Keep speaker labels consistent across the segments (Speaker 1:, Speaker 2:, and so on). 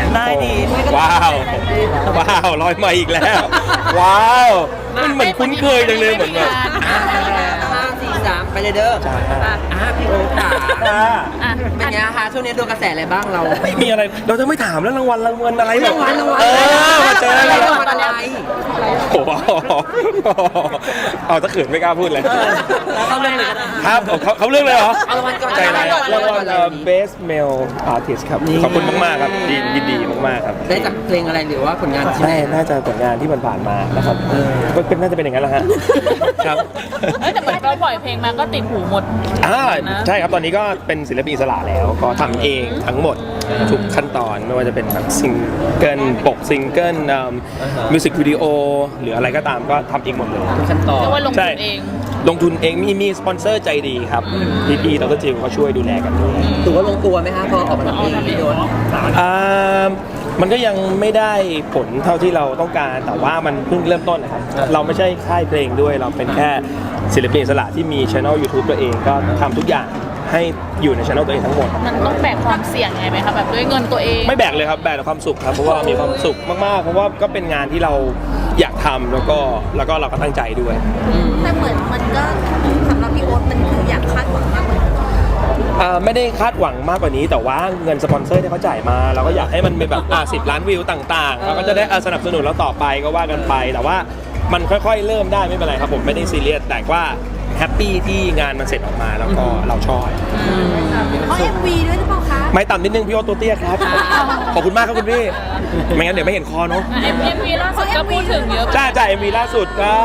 Speaker 1: ได้ดี
Speaker 2: ว้าวลอยมาอีกแล้วว้าวมันเหมือนคุ้นเคยจังเลยเหมือนแบบ
Speaker 3: 5 4 3ไปเลยเด้อพี่โอ๊ตค่ะเป็นไงคะช่วงนี้โดนกระแสอะไรบ้างเรา
Speaker 2: ไม่มีอะไรเราจะไม่ถามแล้วรางวัลอะไรแบบ
Speaker 3: รางวัล
Speaker 2: มาเจอ
Speaker 3: อะไร
Speaker 2: โอ้โหเอาตะเขินไม่กล้าพูดเลย
Speaker 3: เขาเรื่องเลย
Speaker 2: ครับเขาเรื่องเลยเหรอ
Speaker 3: รางวัลก่อน
Speaker 2: ใจร้ายรางวัลBest Male Artist ครับขอบคุณมากๆครับยินดีมากๆครับ
Speaker 3: ได้จากเพลงอะไรหรือว่าผลงานที่
Speaker 2: น่าจะผลงานที่ผ่านมานะครับน่าจะเป็นอย่างนั้นแหละฮะครับ
Speaker 4: แต่เหมือนเราปล่อยเพลงมาก็ติดหูหมด
Speaker 2: ใช่ครับตอนนี้ก็เป็นศิลปินอิสระแล้วก็ทำเองทั้งหมดทุกขั้นตอนไม่ว่าจะเป็นแบบซิงเกิลปกซิงเกิลมิวสิกวิดีโอหรืออะไรก็ตามก็ทำเองหมดเลย
Speaker 3: ทุกขั้นตอน
Speaker 4: เรียกว่าลงทุนเอง
Speaker 2: ลงทุนเองมีสปอนเซอร์ใจดีครับพี่ดร.จิวเขาช่วยดูแลกันด้วย
Speaker 3: ถือว่าลงตัวไหมคะพอออกมาทำเพลงพี่โดน
Speaker 2: มันก็ยังไม่ได้ผลเท่าที่เราต้องการแต่ว่ามันเพิ่งเริ่มต้นนะครับเราไม่ใช่ค่ายเพลงด้วยเราเป็นแค่ศิลปินอิสระที่มีช่อง YouTube ตัวเองก็ทำทุกอย่างให้อยู่ในช่องตัวเองทั้งหมด
Speaker 4: มันต้องแบกความเสี่ยงไงไหมคะแบบด้วยเงินตัวเอง
Speaker 2: ไม่แบกเลยครับแบกแต่ความสุขครับเพราะว่ามีความสุขมากๆเพราะว่าก็เป็นงานที่เราอยากทำแล้วก็เราก็ตั้งใจด้วย
Speaker 5: แต่เหมือนมันก็สำหรับพี่โอ๊ตมันคืออยากคาดหวังมากกว่านี้
Speaker 2: ไม่ได้คาดหวังมากกว่านี้แต่ว่าเงินสปอนเซอร์ที่เขาจ่ายมาเราก็อยากให้มันเป็นแบบ10 ล้านวิวต่างๆเราก็จะได้สนับสนุนเราต่อไปก็ว่ากันไปแต่ว่ามันค่อยๆเริ่มได้ไม่เป็นไรครับผมไม่ได้ซีเรียสแต่ว่าแฮปปี้ที่งานมันเสร็จออกมาแล้วก็เราชอบ
Speaker 5: เพราะ MV ด้วยหรือเปล่าคะ
Speaker 2: ไม่ต่ำนิดนึงพี่โอ๊ตตัวเตี้ยครับขอบคุณมากครับคุณพี่ไม่งั้นเดี๋ยวไม่เห็นคอเนาะ
Speaker 4: MV ล่าสุดก็พูดถึงเยอะ
Speaker 2: จ้า MV ล่าสุดก็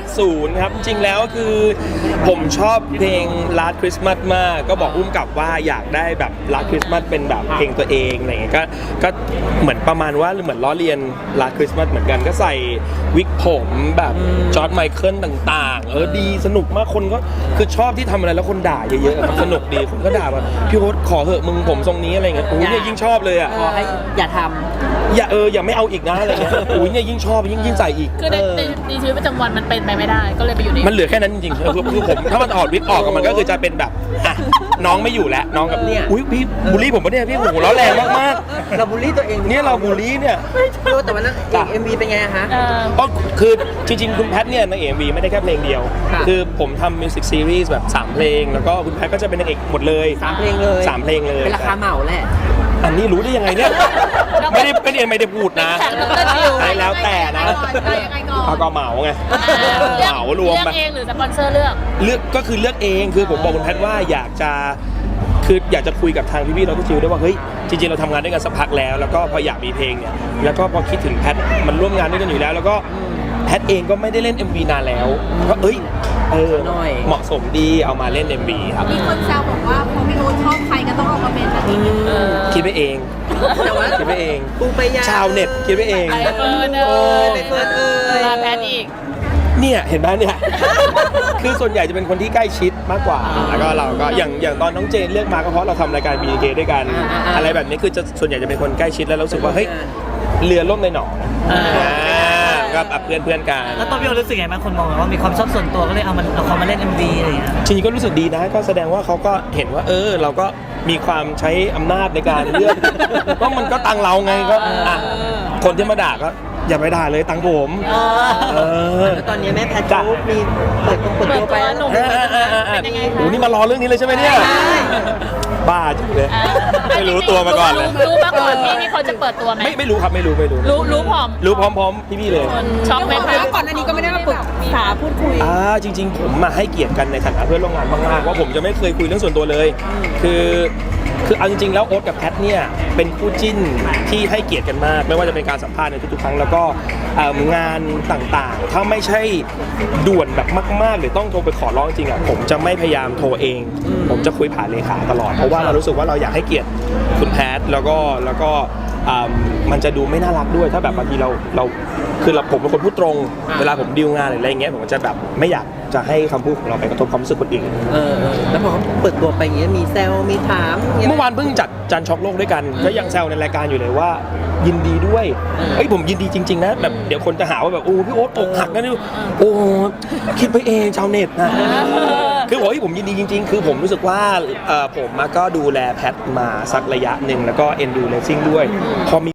Speaker 2: 80ครับจริงแล้วคือผมชอบเพลง Last Christmas มากก็บอกอุ้มกับว่าอยากได้แบบ Last Christmas เป็นแบบเพลงตัวเองอะไรเงี้ยก็เหมือนประมาณว่าเหมือนล้อเลียน Last Christmas เหมือนกันก็ใส่วิกผมแบบจอร์จไมเคิลต่างๆดีสนุกมากคนก็คือชอบที่ทำอะไรแล้วคนด่าเยอะๆสนุกดีคนก็ด่าว่าพี่โอ๊ตขอเหอะมึงผมทรงนี้อะไรเงี้ยโอ้ยเนี่ยยิ่งชอบเลยอ่ะ
Speaker 3: ขอให้อย่าท
Speaker 2: ำอย่าไม่เอาอีกนะอะไรเงี้ยโอ้ยเนี่ยยิ่งชอบยิ่งใส่อีก
Speaker 4: คือในชีวิตประจำวันมันเป็นไปไม่ได้ก็เลยไปอยู่ใน
Speaker 2: มันเหลือแค่นั้นจริงๆคือผมถ้ามันออกวิกออกมันก็คือจะเป็นแบบน้องไม่อยู่แล้วน้องกับเนี่ยอุ้ยพี่บูลลี่ผมปะเนี่ยพี่โหร้อนแรงมาก
Speaker 3: ๆเราบูลลี่ตัวเอง
Speaker 2: เนี่ยเราบูลลี่เนี่ย
Speaker 3: แต่วันนั้นMV เป็นไงฮะ
Speaker 2: ก็คือจริงๆคุณแพทเนี่ยใน MV ไม่ได้แค่เพลงเดียวคือผมทำมิวสิกซีรีส์แบบ3เพลงแล้วก็คุณแพทก็จะเป็นนางเอกหมดเลย
Speaker 3: 3เพลงเลยเป็นราคาเหมาแหละ
Speaker 2: อันนี้รู้ได้ยังไงเนี่ยไม่ได้พูดนะใช่แล้วแต่นะก็เหมาไงเหมารวม
Speaker 4: เลือกเองหรือสปอนเซอร์เลือก
Speaker 2: ก็คือเลือกเองคือผมบอกคุณแพทว่าอยากจะคุยกับทางพี่ๆเราก็จิวด้วยว่าเฮ้ยจริงๆเราทำงานด้วยกันสักพักแล้วก็พออยากมีเพลงเนี่ยแล้วก็พอคิดถึงแพทมันร่วมงานด้วยกันอยู่แล้วก็แพทเองก็ไม่ได้เล่น MV นานแล้วก็เหมาะสมดีเอามาเล่น MV ครับ
Speaker 5: มีคนแซวบอกว่าพอพี่โอ๊ตชอบใครก็ต้องออกมาเป็นแบบนี้
Speaker 2: คิดไปเองคิดไปเองชาวเน็ตคิดไปเอง
Speaker 4: ไปเฟิร์นมาแพทอีก
Speaker 2: เนี่ยเห็นไหมเนี่ยคือส่วนใหญ่จะเป็นคนที่ใกล้ชิดมากกว่าแล้วก็เราก็อย่างตอนน้องเจนเลือกมาก็เพราะเราทำรายการ BK ด้วยกันอะไรแบบนี้คือส่วนใหญ่จะเป็นคนใกล้ชิดแล้วรู้สึกว่าเฮ้ยเรือล่มในหนองก็เพื่อนกัน
Speaker 1: แล้วตอนพี่โอ๊ตรู้สึกไงบ้างคนมองว่ามีความชอบส่วนตัวก็เลยเอาเขามาเล่น MV อะไรอย่างเงี้ย
Speaker 2: จริงๆก็รู้สึกดีนะก็แสดงว่าเขาก็เห็นว่าเราก็มีความใช้อำนาจในการเลือกก็มันก็ตังเราไงก็คนที่มาด่าก็อย่าไปด่าเลยตังผม
Speaker 3: ตอนนี้แม่แพทย์มีเปิดตัวไป
Speaker 4: หนุ่มเป็นยังไงคะ
Speaker 2: โอ้นี่มารอเรื่องนี้เลยใช่ไหมเนี่ยบ้าจริงเลยไม่รู้ตัวมาก่อนเลย
Speaker 4: รู้มาก่อนพี่เขาจะเปิดตัวไหม
Speaker 2: ไม่รู้ครับไม่รู้
Speaker 4: รู้พ
Speaker 2: ร้อมพี่เลย
Speaker 4: ช็อกไหมคะ
Speaker 5: ก่อนอันนี้ก็ไม่ได้มาปรึกษาพูดคุย
Speaker 2: จริงๆผมมาให้เกียรติกันในฐานะเพื่อนร่วมงานมากๆว่าผมจะไม่เคยคุยเรื่องส่วนตัวเลยคือเอาจริงๆแล้วโอ๊ตกับแพทเนี่ยเป็นคู่จิ้นที่ให้เกียรติกันมากไม่ว่าจะเป็นการสัมภาษณ์ในทุกๆครั้งแล้วก็งานต่างๆถ้าไม่ใช่ด่วนแบบมากๆหรือต้องโทรไปขอร้องจริงผมจะไม่พยายามโทรเองผมจะคุยผ่านเลขาตลอดเพราะว่าเรารู้สึกว่าเราอยากให้เกียรติคุณแพทแล้วก็มันจะดูไม่น่ารักด้วยถ้าแบบบางทีเราคือผมเป็นคนพูดตรงเวลาผมดีลงานหรืออะไรเงี้ยผมจะแบบไม่อยากจะให้คำพูดของเราไปกระทบความรู้สึกคนอื่น
Speaker 3: แล้วพอเปิดตัวไปอย่างเงี้ยมีแซวมีถาม
Speaker 2: เมื่อวานเพิ่งจัดจันช็อกโลกด้วยกันก็ยังแซวในรายการอยู่เลยว่ายินดีด้วยผมยินดีจริงๆนะแบบเดี๋ยวคนจะหาว่าแบบโอ้พี่โอ๊ตอกหักนะนี่โอ้คิดไปเองชาวเน็ตนะคือบอกว่าผมยินดีจริงๆคือผมรู้สึกว่าผมก็ดูแลแพทมาสักระยะหนึ่งแล้วก็เอ็นดูเลสซิ่งด้วยพอมี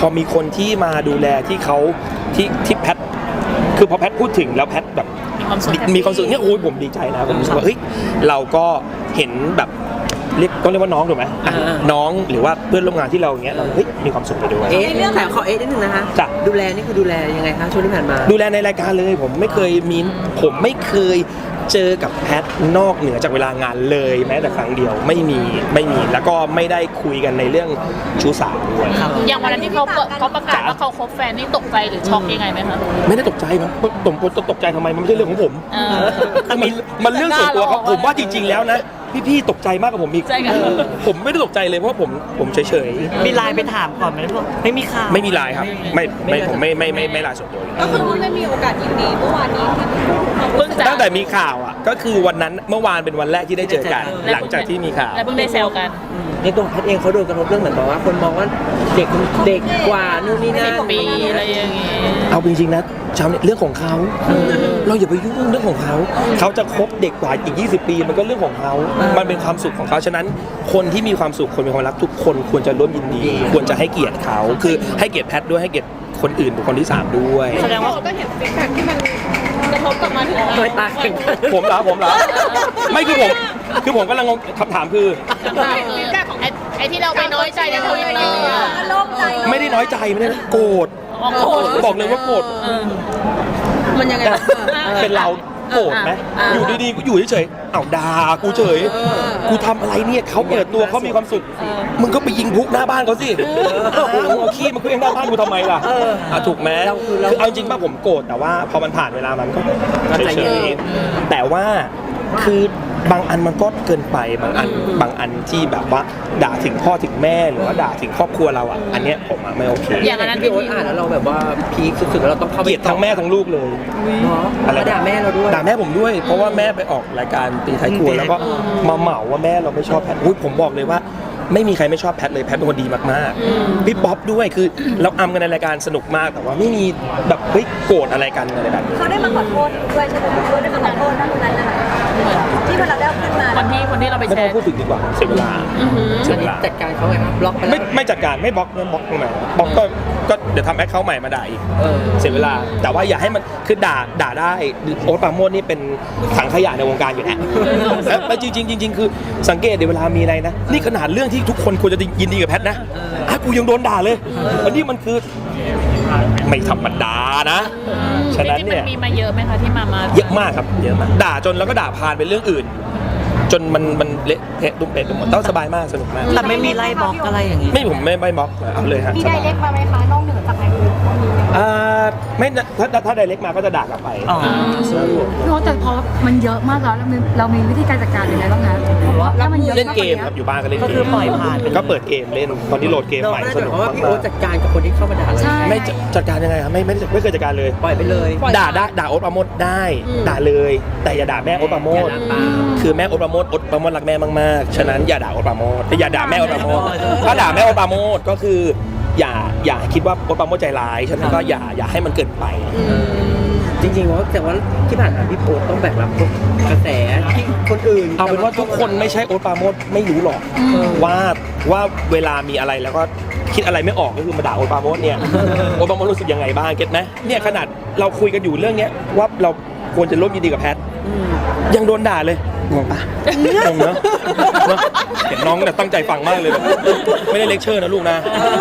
Speaker 2: พอมีคนที่มาดูแลที่เขาที่แพทคือพอแพทพูดถึงแล้วแพทแบบ มีความสุขเนี่ยโอ้ยผมดีใจนะผมรู้สึกว่าเฮ้ยเราก็เห็นแบบเรียกต้องเรียกว่าน้องถูกไหมน้องหรือว่าเพื่อนร่วมงานที่เราอย่างเงี้ยเราเฮ้ยมีความสุขไปด้วย
Speaker 3: แต่ขอนิดนึงนะคะ
Speaker 2: จ้ะ
Speaker 3: ดูแลนี่คือดูแลยังไงคะช่วงที่ผ่านมา
Speaker 2: ดูแลในรายการเลยผมไม่เคยเจอกับแพทนอกเหนือจากเวลางานเลยแม้แต่ครั้งเดียวไม่มีแล้วก็ไม่ได้คุยกันในเรื่องชู้สาวด้วย
Speaker 4: อย่างวันนั้นที่เขาประกาศว่าเขาคบแฟนนี่ตกใจหรือช็อกยังไงไหมคะ
Speaker 2: ไม่ได้ตกใจมั้งผมตกใจทำไมมันไม่ใช่เรื่องของผม มันเรื่องส่วนตัวเขาผมว่าจริงๆแล้วนะพี่ตกใจมากกว่าผมอีก
Speaker 4: ใช่ค่ะ
Speaker 2: ผมไม่ได้ตกใจเลยเพราะว่าผมเฉย
Speaker 1: มีไลน์ไปถามก่อนไหมพวกไม่มีข่าว
Speaker 2: ๆไม่มีไลน์ครับผมไม่ไลน์ส่วนตัวเลย
Speaker 5: ก็คือไม่มีโอกาสยินดีเมื่อวานนี้ที่
Speaker 4: เพิ่งจะ
Speaker 2: ตั้งแต่มีข่าวอ่ะก็คือวันนั้นเมื่อวานเป็นวันแรกที่ได้เจอกันหลังจากที่มีข่าว
Speaker 4: และเพิ่งได้แซวกัน
Speaker 3: ในตัวแพทย์เองเขาโดนกระทบเรื่องเหมือนแบบว่าคนมองว่าเด็กกว่านู่นนี่นั่น
Speaker 4: 10 ปีอะไรอย่างงี้
Speaker 2: เอาจริงๆนะชาวเน็ตเรื่องของเขาเราอย่าไปยุ่งเรื่องของเขาจะคบเด็กกว่าอีก20 ปีมันก็เรื่องของเขามันเป็นความสุขของเขาฉะนั้นคนที่มีความสุขคนมีความรักทุกคนควรจะร่วมยินดี ควรจะให้เกียรติเขาคือให้เกียรติแพทย์ด้วยให้เกียรติคนอื่นบุคคลที่3ด้วย
Speaker 1: แสดงว่า
Speaker 5: ก็เห็นฟีดแบ็กที่มันกระทบกลับมาถึงเรา
Speaker 3: เคยตายกัน
Speaker 2: ผมเหรอไม่คือผมกำลังงงคำถามคือ
Speaker 5: ฟีดแบ็กของ
Speaker 4: ไอ้ที่เราไปน้อยใจในทวิตเตอร์
Speaker 5: โล่งใจ
Speaker 2: ไม่ได้น้อยใจไม่ได้โกรธ
Speaker 4: โกรธ
Speaker 2: บอกเลยว่าโกรธ
Speaker 5: มันยังไง
Speaker 2: เป็นเราโกรธไหมอยู่ดีๆกูอยู่เฉยๆเอ้าด่ากูเฉยกูทำอะไรเนี่ยเขาเปิดตัวเขามีความสุขมึงก็ไปยิงพุกหน้าบ้านเขาสิเอาขี้มาเคลื่อนหน้าบ้านกูทำไมล่ะถูกไหมคือเอาจริงป่ะผมโกรธแต่ว่าพอมันผ่านเวลามันก็เฉยๆแต่ว่าคือบางอันมันก็เกินไปบางอันที่แบบว่าด่าถึงพ่อถึงแม่หรือว่าด่าถึงครอบครัวเราอ่ะอันเนี้ยผมไม่โอเค
Speaker 4: อย่างนั้น
Speaker 3: พี่โอ๊ตอ่านแล้วเราแบบว่าพีคสุดๆแล้วเราต้องเข้าไป
Speaker 2: เกลียดทั้งแม่ทั้งลูกเลย
Speaker 3: อะไรด่าแม่เราด้วย
Speaker 2: ด่าแม่ผมด้วย เพราะว่าแม่ไปออกรายการตีท้ายครัวแล้วก็มาเหมาว่าแม่เราไม่ชอบแพทอุ๊ยผมบอกเลยว่าไม่มีใครไม่ชอบแพทเลยแพทเป็นคนดีมากๆพี่ป๊อปด้วยคือเราอำกันในรายการสนุกมากแต่ว่าไม่มีแบบเฮ้ยโกรธอะไรกันอะไรแบบนี้
Speaker 5: เขาได้มาขอโทษด้วยใช่ไหมเขาได้มาขอโทษนะตรงนั้นนะคะที่เราได้ขึ้นมา
Speaker 4: คนที่เราไป
Speaker 2: ไม่
Speaker 4: แช
Speaker 2: ต้อง
Speaker 4: ร์
Speaker 2: พูดถึงดีกว่าเสียเวลาเสียเวลา
Speaker 3: จัดการเขาไงครับบล็อกไปแล้ว
Speaker 2: ไม่จัดการไม่บล็อกตรงไหนบล็อกก็เดี๋ยวทำแอคเคาท์ใหม่มาด่าอีกเสียเวลาแต่ว่าอย่าให้มันคือด่าได้โอ๊ตปราโมชนี่เป็นถังขยะในวงการอยู่แล้วแล้วจริงคือสังเกตเวลามีอะไรนะนี่ขนาดเรื่องที่ทุกคนควรจะยินดีกับแพทนะกูยังโดนด่าเลยอันนี้มันคือไม่ธรรมดานะฉะนั้นเนี่ย
Speaker 4: มีมาเยอะไหมคะที่มา
Speaker 2: เยอะมากครับเยอะมากด่าจนแล้วก็ด่าผ่านเป็นเรื่องอื่น จนมันเละเทะตุ้มเป๊ะไปหมดต้องสบายมากสนุกมาก
Speaker 1: แต่ไม่มีไล่บล็อกอะไรอย่างงี้
Speaker 2: ไม่ผมไม่บล็อกเอาเลยฮะ
Speaker 5: มีไดเรกมาไหมคะนอกเหนือจากไลน์
Speaker 2: ไม่ถ้าไดเรกมาก็จะด่ากลับไป
Speaker 1: อ๋อ
Speaker 6: โน้ตแต่พอมันเยอะมากแล้วเรามีวิธีการจัดการยังไงบ้างคะเพราะว่าถ้ามันเยอะ
Speaker 2: เล่นเกมครับอยู่บ้านก็เล่น
Speaker 1: ก็
Speaker 2: เก
Speaker 1: คือ
Speaker 2: ม
Speaker 1: ปล่อยผ่านไป
Speaker 2: ก็เปิดเกมเล่นตอนนี้โหลดเกม
Speaker 3: เรา
Speaker 2: ใหม่
Speaker 3: ไม่ได้
Speaker 2: ส
Speaker 3: ห
Speaker 2: นุ
Speaker 3: มาก ยความว่าพี่โอ๊
Speaker 2: มา
Speaker 3: ต
Speaker 2: ก
Speaker 3: จัดการกับคนที่เข้ามาด่าเรา
Speaker 6: ใช่
Speaker 2: ไม่จัดการยังไงครับไม่เคยจัดการเลย
Speaker 3: ปล่อยไปเลย
Speaker 2: ด่าโอ๊ตปราโมชได้ด่าเลย แต่อย่าด่าแม่โอ๊ตปราโมชคือแม่โอ๊ตปราโมชรักแม่มากๆฉะนั้นอย่าด่าโอ๊ตปราโมชอย่าด่าแม่โอ๊ตปราโมชถ้าด่าแม่โอ๊ตปราโมชก็คืออย่าคิดว่าโอ๊ตปราโมชใจร้ายฉะนั้นก็อย่าให้มันเกินไป
Speaker 3: จริงๆว่าแต่ว่าที่ผ่านมาพี่โอ๊ตต้องแบกรับพวกกระแสที่คนอื่น
Speaker 2: เอาเป็นว่าทุกคนไม่ใช่โอ๊ตปราโมชไม่รู้หรอกว่าเวลามีอะไรแล้วก็คิดอะไรไม่ออกก็คือมาด่าโอ๊ตปราโมชเนี่ยโอ๊ตปราโมชรู้สึกยังไงบ้างเก็ตไหมเนี่ยขนาดเราคุยกันอยู่เรื่องเนี้ยว่าเราควรจะร่วมยินดีกับแพทยังโดนด่าเลยงงปะงงเนอะเห็นน้องเนี่ยตั้งใจฟังมากเลยแบบไม่ได้เลคเชอร์นะลูกนะ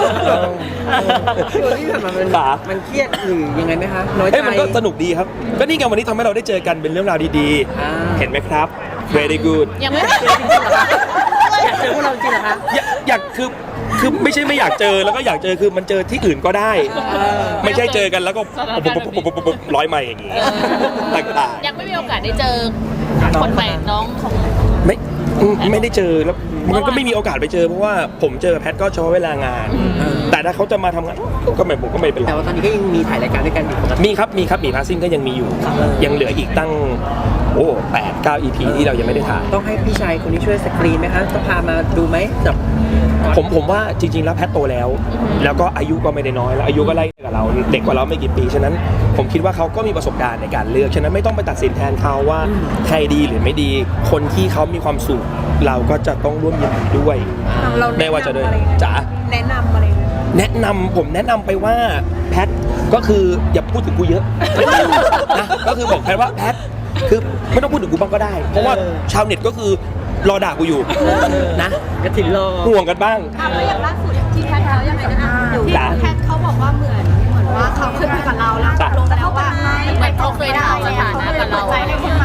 Speaker 3: พี่โอ๊ตที่ผ่านมามันเครียดหรือยังไงไหมคะน้อยใจ
Speaker 2: เอ้ยมันก็สนุกดีครับก็นี่ไงวันนี้ทำให้เราได้เจอกันเป็นเรื่องราวดีๆเห็นไหมครับ very good
Speaker 4: ยังไม่
Speaker 3: อยากเจอพวกเราจริงเหรอคะ
Speaker 2: อยากคือไม่ใช่ไม่อยากเจอแล้วก็อยากเจอคือมันเจอที่อื่นก็ได้ ไม่ใช่เจอกันแล้วก็ปุ๊บร้อยใหม่อย่างงี้ต่าง
Speaker 4: ยังไม่มีโอกาสได้เจอคนใหม่น้องของ
Speaker 2: ๆไม่ได้เจอแล้วมันก็ไม่มีโอกาสไปเจอเพราะว่าผมเจอแพทก็เฉพาะเวลางาน แต่ถ้าเขาจะมาทำงานก็ไม่เป็นไร
Speaker 3: แต่ว่าตอนนี้ก็ยังมีถ่ายรายการด้วยกันอยู่ปกติ
Speaker 2: มีครับมีพาซิ่งก็ยังมีอยู่ยังเหลืออีกตั้ง8-9 EP ที่เรายังไม่ได้ถ่าย
Speaker 3: ต้องให้พี่ชายคนนี้ช่วยสกรีนไหมคะต้องพามาดูไหมแบบ
Speaker 2: ผมว่าจริงๆแล้วแพทโตแล้ว แล้วก็อายุก็ไม่ได้น้อยแล้วอายุก็ไล่กับเราเด็กกว่าเราไม่กี่ปีฉะนั้นผมคิดว่าเขาก็มีประสบการณ์ในการเลือกฉะนั้นไม่ต้องไปตัดสินแทนเขาว่าใครดีหรือไม่ดีคนที่เขามีความสุขเราก็จะต้องร่วมยินดีด้วยไม่ว่าจะด้วยจ๋า
Speaker 5: แนะนำอะไร
Speaker 2: ผมแนะนำไปว่าแพทก็คืออย่าพูดถึงกูเยอะนะก็คือบอกแพทว่าแพทคือไม่ต้องพูดถึงกูบ้างก็ได้ เพราะว่าชาวเน็ตก็คือรอด่ากูอยู่นะ
Speaker 3: กระถิ่นรอ
Speaker 2: ห่วงกันบ้าง
Speaker 5: แล้วอย่างล่าสุดที่แพทเขายังไงนะที่แพทเขาบอกว่าเหมือนว่าเขาเคยคุยกับเราแล้วตกลงกันแล้วว่า
Speaker 4: เหมือนเขาเคยถามสถานะกับเรา
Speaker 5: ใจให้คนใหม่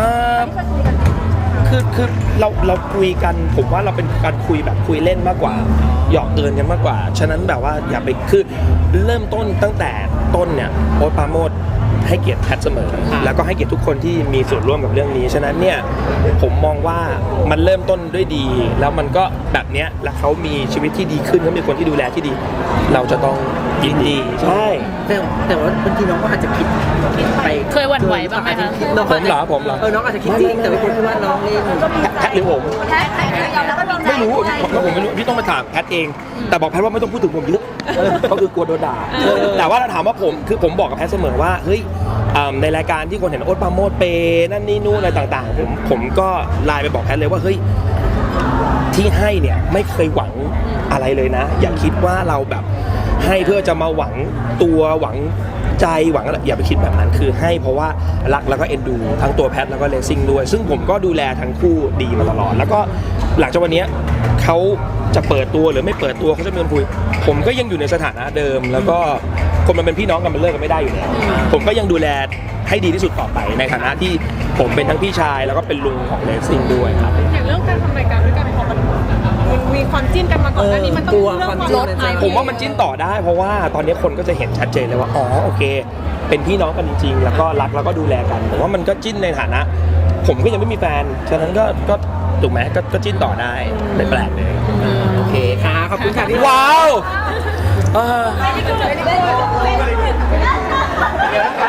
Speaker 2: คือเราคุยกันผมว่าเราเป็นการคุยแบบคุยเล่นมากกว่าหยอกเอินกันมากกว่าฉะนั้นแบบว่าอย่าไปคือเริ่มต้นตั้งแต่ต้นเนี่ยโอ๊ตปราโมชให้เกียรติแพทเสมอแล้วก็ให้เกียรติทุกคนที่มีส่วนร่วมกับเรื่องนี้ฉะนั้นเนี่ยผมมองว่ามันเริ่มต้นด้วยดี แล้วมันก็แบบเนี้ยแล้วเขามีชีวิตที่ดีขึ้นเขามีคนที่ดูแลที่ดี เราจะต้องยินดีใช่
Speaker 3: แต่ว่าบางทีน้องก็อาจจะคิดไป
Speaker 4: เคยหวั่นไหวบ้างไหมคะ
Speaker 2: ผมเหรอ
Speaker 3: น้องอาจจะคิดจริงแต่ว่าคนที่ว่าน้องเล่น
Speaker 2: แพทหรือผม
Speaker 5: แพทยอมแล้วก็มีใจ
Speaker 2: ไม่รู้ผมไม่รู้พี่ต้องมาถามแพทเอง แต่บอกแพทว่าไม่ต้องพูดถึงผมเยอะก็คือกลัวโดนด่าแต่ว่าถ้าถามว่าผมบอกกับแพทเสมอว่าเฮ้ยในรายการที่คนเห็นโอ๊ตปราโมชเปนั่นนี่นู่นอะไรต่างๆผมก็ไลน์ไปบอกแพทเลยว่าเฮ้ยที่ให้เนี่ยไม่เคยหวังอะไรเลยนะ อย่าคิดว่าเราแบบให้เพื่อจะมาหวังตัวหวังใจหวังอะไรอย่าไปคิดแบบนั้นคือให้เพราะว่ารักแล้วก็เอ็นดูทั้งตัวแพทแล้วก็เลซิ่งด้วยซึ่งผมก็ดูแลทั้งคู่ดีมาตลอดแล้วก็หลังจากวันนี้เขาจะเปิดตัวหรือไม่เปิดตัวเขาจะมีคนคุยผมก็ยังอยู่ในสถานะเดิม แล้วก็คนมันเป็นพี่น้องกันมันเลิกกันไม่ได้อยู่แล้วผมก็ยังดูแลให้ดีที่สุดต่อไปในฐานะที่ผมเป็นทั้งพี่ชายแล้วก็เป็นลุงของเลซิ่งด้วยครับ
Speaker 4: อย่างเรื่องการทำรายการด้วยกันพอมันมีความจิ้นกันมาก่อนหน้านี้มันต้องเรื่องความลด
Speaker 2: ผมว่ามันจิ้นต่อได้เพราะว่าตอนนี้คนก็จะเห็นชัดเจนเลยว่าอ๋อโอเค เป็นพี่น้องกันจริงๆแล้วก็รักแล้วก็ดูแลกันผมว่ามันก็จิ้นในฐานะ ผมก็ยังไม่มีแฟนฉะนั้นก็ถูกไหมก็จิ้นต่อได้ไม่แปลกเลย
Speaker 3: โอเคค่ะขอบคุณค่ะพี่
Speaker 2: ว้าว
Speaker 5: ไม่ได้